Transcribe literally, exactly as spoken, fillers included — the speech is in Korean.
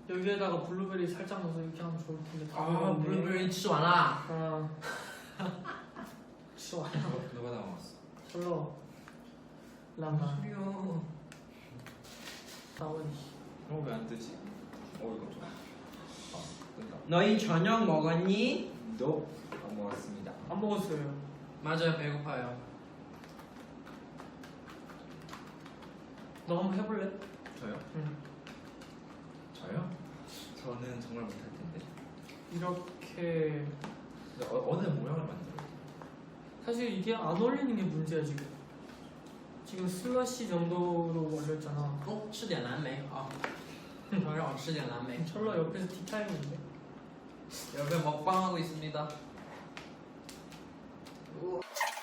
여기에다가 블루베리 살짝 넣어서 이렇게 하면 좋을 텐데. 아, 블루베리 吃完啦. 아, 吃完了. 누가 다 먹었어? 별로. 라마. 소리야. 다원. 어, 왜 안 뜨지? 어, 이거 좀. 아, 뜬다. 너희 저녁 먹었니? 너 안 먹었습니다. 안 먹었어요. 맞아요, 배고파요. 너 한번 해볼래? 저요? 응. 저요? 저는 정말 못할 텐데. 이렇게. 근데 어, 어느 모양을 만들어요? 사실 이게 안 어울리는 게 문제야 지금. 지금 슬러시 정도로 올렸잖아. 哦，吃点蓝莓啊，让让我吃点蓝莓。 철러 옆에서 티타임인데. 여러분 먹방하고 있습니다. 우와.